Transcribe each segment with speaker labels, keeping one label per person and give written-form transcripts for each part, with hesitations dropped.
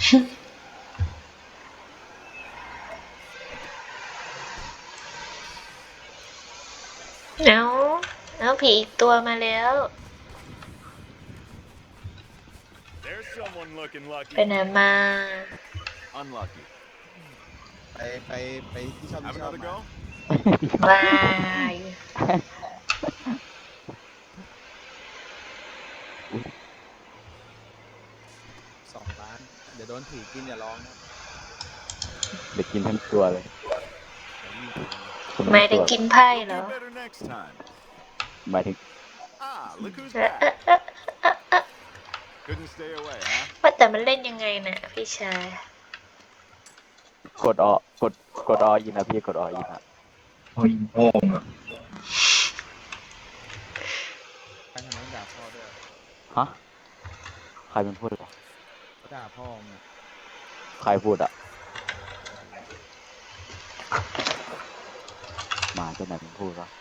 Speaker 1: เอาผีอีกตัวมาแล้ว
Speaker 2: There's someone looking
Speaker 1: ไป
Speaker 2: lucky.
Speaker 1: ไหนมา
Speaker 2: Unlucky.
Speaker 3: ไปที่ชอบ
Speaker 2: Have
Speaker 3: ที่ชอบ
Speaker 2: another
Speaker 3: มา
Speaker 2: go?
Speaker 1: วาย
Speaker 3: 2 ล้านเดี๋ยวโดนผีกินอย่าร้องนะ
Speaker 4: เด็กกินทั้งตัวเลย
Speaker 3: เดี๋ยวมีตัว
Speaker 1: หมายถึงกินไพ่เหร
Speaker 2: You'll
Speaker 1: อ
Speaker 2: do better next time.
Speaker 4: หมายถึง
Speaker 2: Ah, look who's
Speaker 1: เอ๊ะ
Speaker 2: back. Couldn't stay away, huh?
Speaker 1: ว่าแต่มันเล่นยังไงน่ะพี่ชาย
Speaker 4: กดกดอยินนะพี่กดอยินนะ
Speaker 5: โอ้ยโง่อะ
Speaker 3: ใครทำไมต้องด่าพ่อด้วย
Speaker 4: ฮะใครเป็นพูดเหรอ
Speaker 3: เขาด่าพ่อมึงอะ
Speaker 4: ใครพูดอ่ะหมาจะไหนเป็นพูดวะ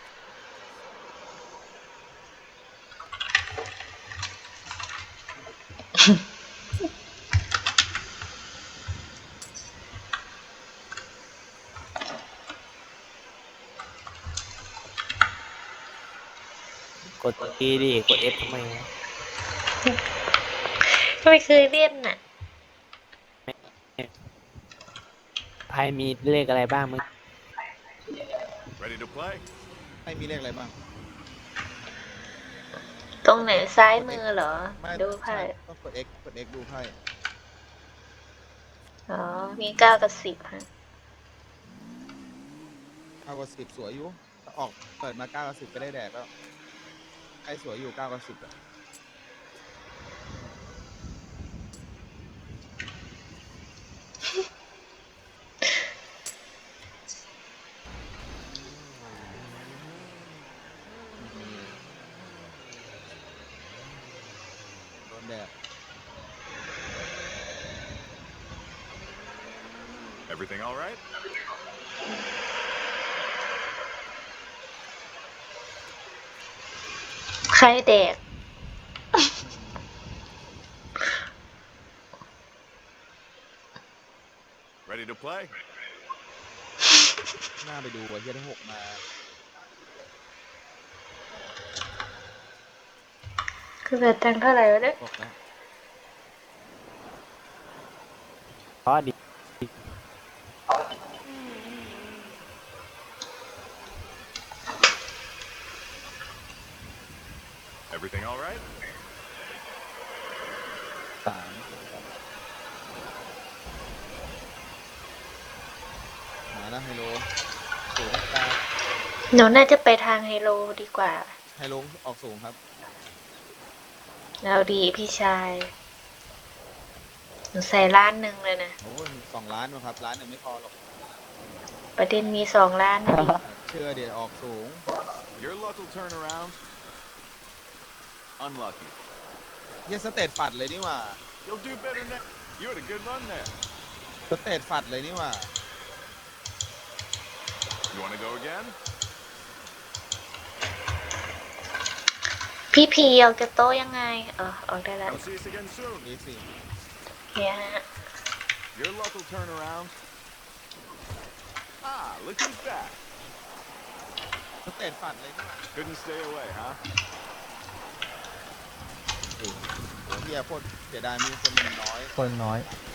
Speaker 6: กด E ดิกด F ทำไมวะ
Speaker 1: ไม่เคยเล่นน่ะ
Speaker 6: ไพ่มีเลขอะไรบ้างมึง
Speaker 2: Ready to play?
Speaker 3: ให้มีเลขอะไรบ้าง
Speaker 1: ตรงไหนซ้ายมือเหรอ
Speaker 3: ไม่
Speaker 1: ดูไพ่
Speaker 3: ใช่ต้องกด X ดูไพ่
Speaker 1: อ๋อ มี9 กับ 10ฮะ
Speaker 3: 9 กับ 10สวยอยู่ถ้าออกเปิดมา9 กับ 10ก็ได้แดกแล้วไอ้สวยอยู่9 กับ 10อะโดนแดด
Speaker 2: Everything all right?
Speaker 1: ใครแดก
Speaker 2: Ready to play?
Speaker 3: หน้าไปดูว่าเฮียได้6มา
Speaker 1: คือแบบตังค์เท่าไหร่วะเนี่ย
Speaker 3: บอกแล้ว
Speaker 6: เพราะดิ
Speaker 2: Everything all right?
Speaker 3: 3มาแล้วไฮโลสูงตา
Speaker 1: หนูน่าจะไปทางไฮโลดีกว่า
Speaker 3: ไฮโลออกสูงครับ
Speaker 1: เราดีพี่ชาย หนูใส่ล้านหนึ่งเลยนะ
Speaker 3: โอ้ย2 ล้านนะครับล้านหนึ่งไม่พอหรอก
Speaker 1: ประเด็นมี2 ล้านนะดิ
Speaker 3: เชื่อเดี๋ยวออกสูง
Speaker 2: Your luck will turn around. Unlucky.
Speaker 3: เฮียสเตตฝัดเลยนี่หว่า
Speaker 2: You'll do better next. You had a good run there.
Speaker 3: สเตตฝัดเลยนี่หว่า
Speaker 2: You want to go again?
Speaker 1: พี่พีออกจากโต๊ะยังไงออกได้แล้ว
Speaker 2: I'll see us again soon.
Speaker 3: นี่สิ
Speaker 1: เนี่ยฮะ
Speaker 2: Your luck will turn around. Ah, look who's back.
Speaker 3: สเตตฝัดเลยนี่หว่า
Speaker 2: Couldn't stay away, huh?
Speaker 3: เฮียโคตรเสียดายมีคนน้อย
Speaker 7: คนน้อย
Speaker 3: เ